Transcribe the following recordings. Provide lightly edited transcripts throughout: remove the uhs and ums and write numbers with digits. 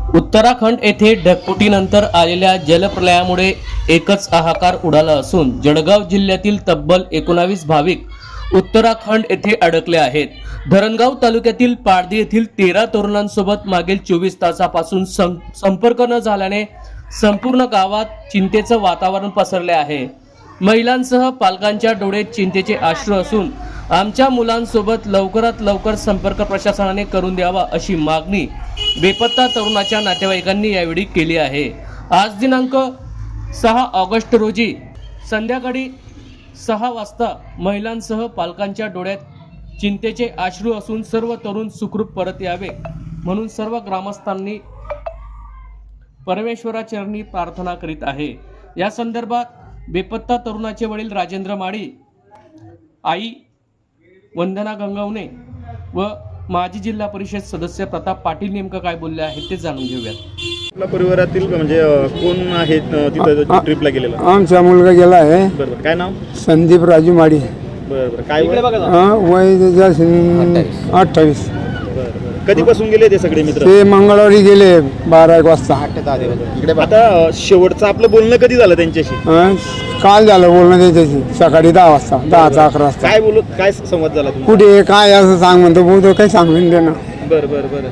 उत्तराखंड येथे ढगफुटीनंतर आलेल्या जलप्रलयामुळे एकच हाहाकार उडाला असून जळगाव जिल्ह्यातील तब्बल 19 भाविक उत्तराखंड येथे अडकले आहेत। धरणगाव तालुक्यातील पारधी येथील 13 तरुणांसोबत मागील 24 तासापासून संपर्क न झाल्याने संपूर्ण गावात चिंतेचं वातावरण पसरले आहे। महिलांसह पालकांच्या डोळ्यात चिंतेचे अश्रू असून आमच्या मुलांसोबत लवकरात लवकर संपर्क प्रशासनाने करून द्यावा अशी मागणी बेपत्ता तरुणाच्या नातेवाईकांनी यावेळी केली आहे। आज दिनांक 6 ऑगस्ट रोजी संध्याकाळी 6 वाजता महिलांसह पालकांच्या डोळ्यात चिंतेचे अश्रू असून सर्व तरुण सुखरूप परत यावे म्हणून सर्व ग्रामस्थांनी परमेश्वराचरणी प्रार्थना करीत आहे। या संदर्भात बेपत्ता तरुणाचे वडील राजेंद्र माळी, आई वंदना गंगवणे व माजी जिल्हा परिषद सदस्य प्रताप पाटील नेमकं काय बोलले आहेत ते जाणून घेऊयात। आपल्या परिवारातील म्हणजे कोण आहेत तिथे ट्रिपला गेलेला? आमचा मुलगा गेला आहे। बरोबर, काय नाव? संदीप राजू माडी। बरोबर, काय वय? वय 28। कधीपासून गेले ते सगळे मित्र? ते मंगळवारी गेले 12-1 वाजता। आता शेवटचं आपलं बोलणं कधी झालं त्यांच्याशी? काल झालं बोलणं त्यांच्याशी सकाळी 10 वाजता, 10 ते 11 वाजता। काय बोलत, काय संवाद झाला तुमचा? कुठे काय असं सांग म्हणतो, बोलतो काही सांगून दे ना। बरं बरं बरं,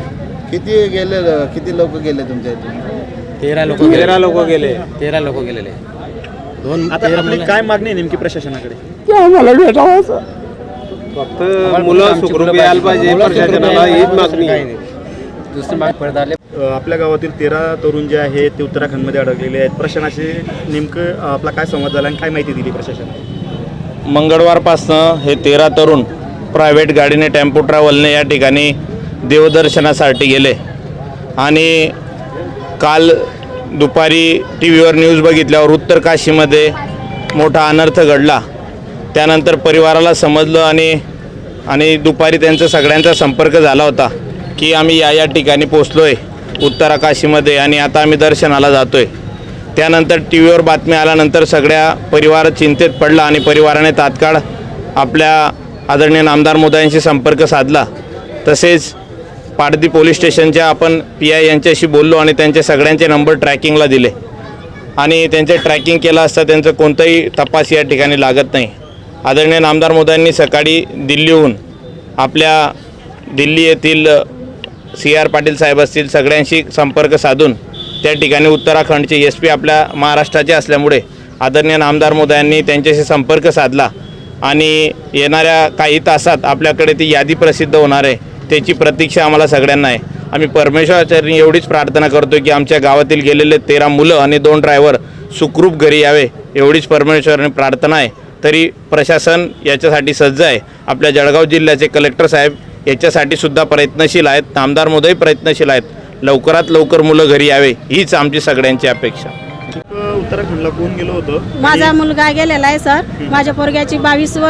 किती लोक गेले तुमच्या इथून? 13 लोक गेले। 13 लोक गेलेले। आता आपली काय मागणी आहे नेमकी प्रशासनाकडे? ते आम्हाला भेटावं असं। फक्त मुलं सुखरूप यायला पाहिजे, प्रशासनाला हीच मागणी आहे। दुसरी माग पडत आले। आपल्या गावातील 13 तरुण जे आहेत ते उत्तराखंडमध्ये अडकलेले आहेत। प्रशासनाशी नेमकं आपला काय संवाद झाला आणि काय माहिती दिली प्रशासनाने? मंगळवारपासनं हे 13 तरुण प्रायव्हेट गाडीने टेम्पो ट्रॅव्हलने या ठिकाणी देवदर्शनासाठी गेले आणि काल दुपारी टी व्हीवर न्यूज बघितल्यावर उत्तर काशीमध्ये मोठा अनर्थ घडला। त्यानंतर परिवाराला समजलं आणि दुपारी त्यांचा सगळ्यांचा संपर्क झाला होता की आम्ही या ठिकाणी पोचलो आहे उत्तराकाशीमध्ये आणि आता आम्ही दर्शनाला जातो आहे। त्यानंतर टी व्हीवर बातमी आल्यानंतर सगळ्या परिवार चिंतेत पडला आणि परिवाराने तात्काळ आपल्या आदरणीय नामदार मोदयांशी संपर्क साधला। तसेच पारधी पोलीस स्टेशनच्या आपण PI यांच्याशी बोललो आणि त्यांचे सगळ्यांचे नंबर ट्रॅकिंगला दिले आणि त्यांचे ट्रॅकिंग केलं असता त्यांचं कोणताही तपास या ठिकाणी लागत नाही। आदरणीय नामदार मोदयांनी सकाळी दिल्लीहून आपल्या दिल्ली येथील CR पाटील साहेब असतील सगळ्यांशी संपर्क साधून त्या ठिकाणी उत्तराखंडचे SP आपल्या महाराष्ट्राचे असल्यामुळे आदरणीय नामदार मोदयांनी त्यांच्याशी संपर्क साधला आणि येणाऱ्या काही तासात आपल्याकडे ती यादी प्रसिद्ध होणार आहे, त्याची प्रतीक्षा आम्हाला सगळ्यांना आहे। आम्ही परमेश्वराचरणी एवढीच प्रार्थना करतो की आमच्या गावातील गेलेले 13 मुलं आणि 2 ड्रायव्हर सुखरूप घरी यावे, एवढीच परमेश्वराने प्रार्थना आहे। तरी प्रशासन याच्यासाठी सज्ज आहे। आपल्या जळगाव जिल्ह्याचे कलेक्टर साहेब याच्यासाठी सुद्धा प्रयत्नशील आहेत, नामदार मोदय प्रयत्नशील आहेत। लवकरात लवकर मुलं घरी यावे हीच आमची सगळ्यांची अपेक्षा। उत्तराखंडला कोण गेलो होतं? माझा मुलगा गेलेला आहे सर। माझ्या पोरग्याची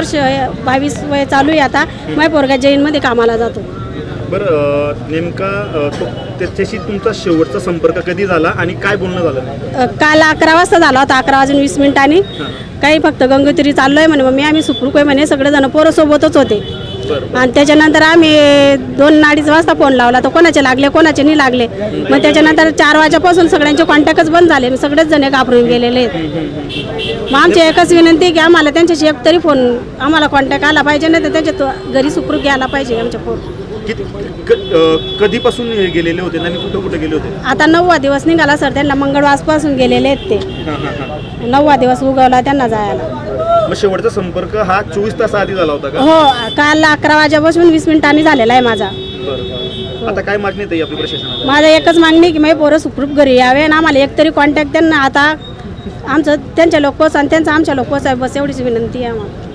22 वय चालू आहे आता। माझ्या पोरगा जैनमध्ये कामाला जातो। बरं, नेमका त्याच्याशी तुमचा शेवटचा संपर्क कधी झाला आणि काय बोलणं झालं? काल 11 वाजता झाला होता, 11:20 काही फक्त गंगोत्री चाललो आहे म्हणे मम्मी, आम्ही सुखरूप आहे म्हणे, सगळेजण पोरं सोबतच होते। आणि त्याच्यानंतर आम्ही 2-2:30 वाजता फोन लावला तर कोणाचे लागले कोणाचे नाही लागले। मग त्याच्यानंतर 4 वाजेपासून सगळ्यांचे कॉन्टॅक्टच बंद झाले, सगळेच जण घाबरून गेलेले आहेत। मग आमची एकच विनंती आहे की आम्हाला त्यांच्याशी एक तरी फोन आम्हाला कॉन्टॅक्ट आला पाहिजे, नाही तर त्यांच्या घरी सुखरूप घ्यायला पाहिजे आमच्या पोर। कधीपासून गेलेले होते आणि कुठं कुठे गेले होते? आता 9वा दिवस निघाला सर, त्यांना मंगळवारपासून गेलेले आहेत ते। 9वा दिवस उगवला त्यांना जायला। मग शेवटचा संपर्क हा 24 तास आधी झाला होता का? हो, काल 11 वाजेपासून 20 मिनिटांनी झालेला आहे माझा। आता काय मागणी आहे आपली प्रशासनाला? माझा एकच मागणी की माझे पोरं सुखरूप घरी यावे आणि आम्हाला एक तरी कॉन्टॅक्ट त्यांना आता आमचं त्यांच्या लोक पोच आणि त्यांचा आमच्या लोक पोच आहे, बस एवढीच विनंती आहे आम्हाला।